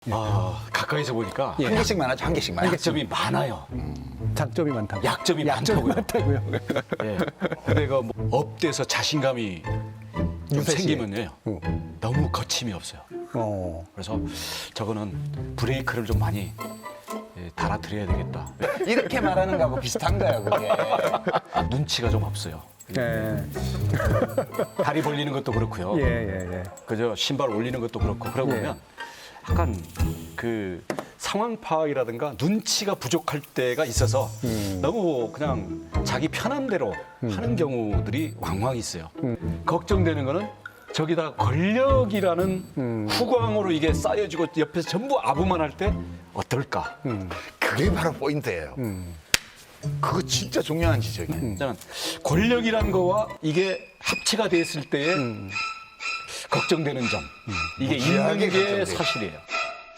가까이서 보니까 한 개씩 많아죠, 한 개씩 많아요. 약점이 많아요. 장점이 많다고. 약점이 약점이 많다고요. 많다고요. 예. 내가 뭐 업돼서 자신감이 좀 윤태 씨. 생기면요. 너무 거침이 없어요. 그래서 저거는 브레이크를 좀 많이 달아드려야 되겠다. 이렇게 말하는 거하고 비슷한 거야, 그게. 눈치가 좀 없어요. 예. 다리 벌리는 것도 그렇고요. 예. 그저 신발 올리는 것도 그렇고 그러고 예. 보면 약간 그 상황 파악이라든가 눈치가 부족할 때가 있어서 너무 그냥 자기 편한 대로 하는 경우들이 왕왕 있어요. 걱정되는 거는 저기다 권력이라는 후광으로 이게 쌓여지고 옆에서 전부 아부만 할 때 어떨까? 그게 바로 포인트예요. 그거 진짜 중요한 지적이에요. 저는 권력이란 거와 이게 합체가 됐을 때에 걱정되는 점 이게 있는 무지하게 게 걱정돼요. 사실이에요.